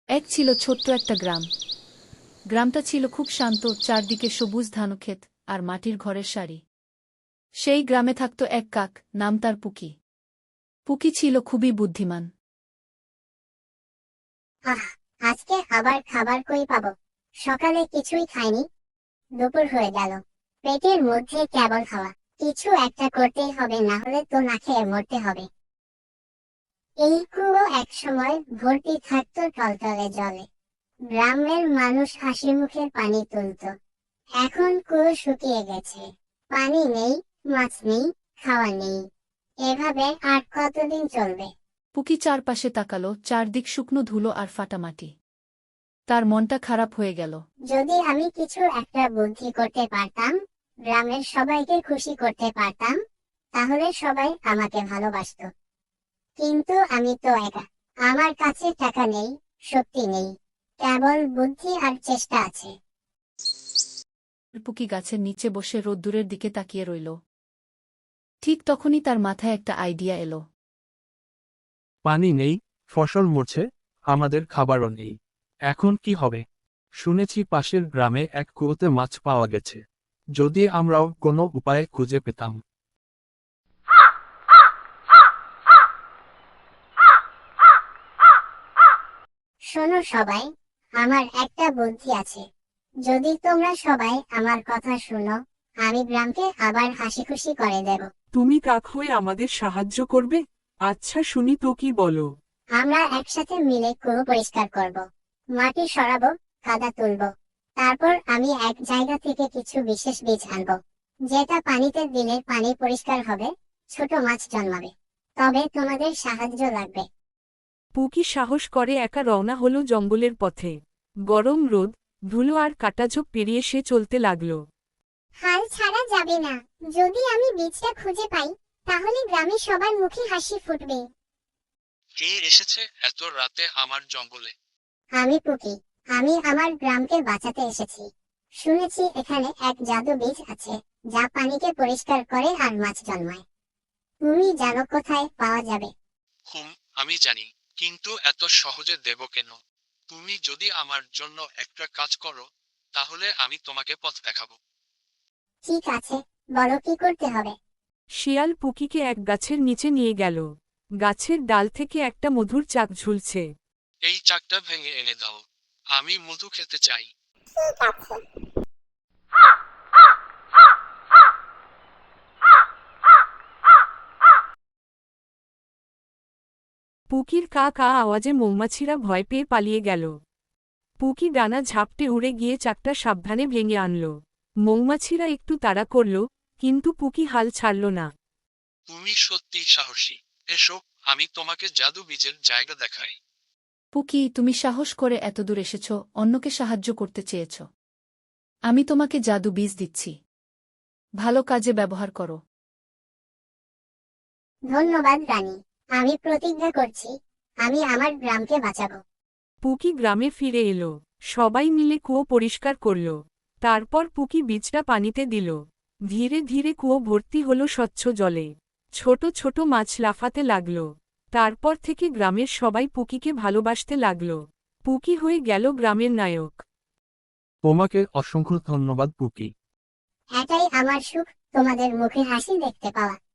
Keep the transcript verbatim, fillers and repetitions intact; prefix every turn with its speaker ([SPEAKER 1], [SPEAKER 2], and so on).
[SPEAKER 1] এক ছিল ছোট্ট একটা গ্রাম। গ্রামটা ছিল খুব শান্ত, চারদিকে সবুজ ধানক্ষেত আর মাটির ঘরের সারি। সেই গ্রামে থাকত এক কাক, নাম তার পুকি। পুকি ছিল খুবই বুদ্ধিমান।
[SPEAKER 2] আহ, আজকে আবার খাবার কই পাবো? সকালে কিছুই খাইনি, দুপুর হয়ে গেল, পেটের মধ্যে কেবল খাওয়া। কিছু একটা করতেই হবে, না হলে তো না খেয়ে মরতে হবে। এই কুয়ো এক সময় ভর্তি থাকতো টলটলে জলে। গ্রামের মানুষ হাসি মুখে পানি তুলতো। এখন কুয়ো শুকিয়ে গেছে, পানি নেই, মাছ নেই, খাওয়া নেই। এভাবে আর কতদিন চলবে?
[SPEAKER 1] পুকি চারপাশে তাকালো, চারদিক শুকনো ধুলো আর ফাটা মাটি। তার মনটা খারাপ হয়ে গেল।
[SPEAKER 2] যদি আমি কিছু একটা বুদ্ধি করতে পারতাম, গ্রামের সবাইকে খুশি করতে পারতাম, তাহলে সবাই আমাকে ভালোবাসতো। কিন্তু আমি তো একা। আমার কাছে টাকা নেই, শক্তি নেই, কেবল বুদ্ধি আর চেষ্টা আছে।
[SPEAKER 1] পুকি গাছের নিচে বসে রোদ্দুরের দিকে তাকিয়ে রইল। ঠিক তখনই তার মাথায় একটা আইডিয়া এলো।
[SPEAKER 3] পানি নেই, ফসল মরছে, আমাদের খাবারও নেই। এখন কি হবে? শুনেছি পাশের গ্রামে এক কুয়োতে মাছ পাওয়া গেছে। যদি আমরাও কোনো উপায় খুঁজে পেতাম।
[SPEAKER 2] শোনো সবাই, আমার একটা বুদ্ধি আছে। যদি তোমরা সবাই আমার কথা শুনো, আমি গ্রামকে আবার হাসি খুশি করে দেব।
[SPEAKER 4] তুমি কাক হয়ে আমাদের সাহায্য করবে? আচ্ছা, শুনি তো, কি বলো?
[SPEAKER 2] আমরা একসাথে মিলে কুয়ো পরিষ্কার করব, মাটি সরাবো, কাদা তুলবো। তারপর আমি এক জায়গা থেকে কিছু বিশেষ বীজ আনবো, যেটা পানিতে দিলে পানি পরিষ্কার হবে, ছোট মাছ জন্মাবে। তবে তোমাদের সাহায্য লাগবে।
[SPEAKER 4] পুকি সাহস করে একা রওনা হলো জঙ্গলের পথে। গরম রোদ, ধুলো আর কাটাঝোপ পেরিয়ে সে চলতে লাগল।
[SPEAKER 2] হাল ছাড়া যাবে না। যদি আমি বীজটা খুঁজে পাই, তাহলে গ্রামের সবার মুখে হাসি ফুটবে।
[SPEAKER 3] কে এসেছে এত রাতে আমার জঙ্গলে?
[SPEAKER 2] আমি পুকি। আমি আমার গ্রামকে বাঁচাতে এসেছি। শুনেছি এখানে এক জাদু বীজ আছে, যা পানিকে পরিষ্কার করে আর মাছ জন্মায়। তুমি জানো কোথায় পাওয়া যাবে?
[SPEAKER 3] হুম, আমি জানি, কিন্তু এত সহজে দেব কেন? তুমি যদি আমার জন্য একটা কাজ করো, তাহলে আমি তোমাকে পথ দেখাবো।
[SPEAKER 2] ঠিক আছে, বলো কি করতে হবে।
[SPEAKER 4] শিয়াল পুকিকে এক গাছের নিচে নিয়ে গেল। গাছের ডাল থেকে একটা মধুর চাক ঝুলছে।
[SPEAKER 3] এই চাকটা ভেঙে এনে দাও, আমি মধু খেতে চাই।
[SPEAKER 2] ঠিক আছে।
[SPEAKER 4] পুকির কা কা আওয়াজে মৌমাছিরা ভয় পেয়ে পালিয়ে গেল। পুকি ডানা ঝাপটে উড়ে গিয়ে চাকটা সাবধানে ভেঙে আনল। মৌমাছিরা একটু তাড়া করল, কিন্তু পুকি হাল ছাড়ল না।
[SPEAKER 3] তুমি সত্যি সাহসী। এসো, আমি তোমাকে জাদু বীজের জায়গা দেখাই।
[SPEAKER 1] পুকি, তুমি সাহস করে এতদূর এসেছ, অন্যকে সাহায্য করতে চেয়েছ। আমি তোমাকে জাদু বীজ দিচ্ছি, ভালো কাজে ব্যবহার করো।
[SPEAKER 2] ধন্যবাদ রানী। আমি প্রতিজ্ঞা করছি, আমি আমার গ্রামকে বাঁচাবো।
[SPEAKER 4] পুকি গ্রামে ফিরে এলো। সবাই মিলে কুয়ো পরিষ্কার করল। তারপর পুকি বীজটা পানিতে দিল। ধীরে ধীরে কুয়ো ভর্তি হলো স্বচ্ছ জলে। ছোট ছোট মাছ লাফাতে লাগল। তারপর থেকে গ্রামের সবাই পুকিকে ভালোবাসতে লাগল। পুকি হয়ে গেল গ্রামের নায়ক।
[SPEAKER 3] তোমাকে অসংখ্য ধন্যবাদ পুকি।
[SPEAKER 2] এটাই আমার সুখ, তোমাদের মুখে হাসি দেখতে পাওয়া।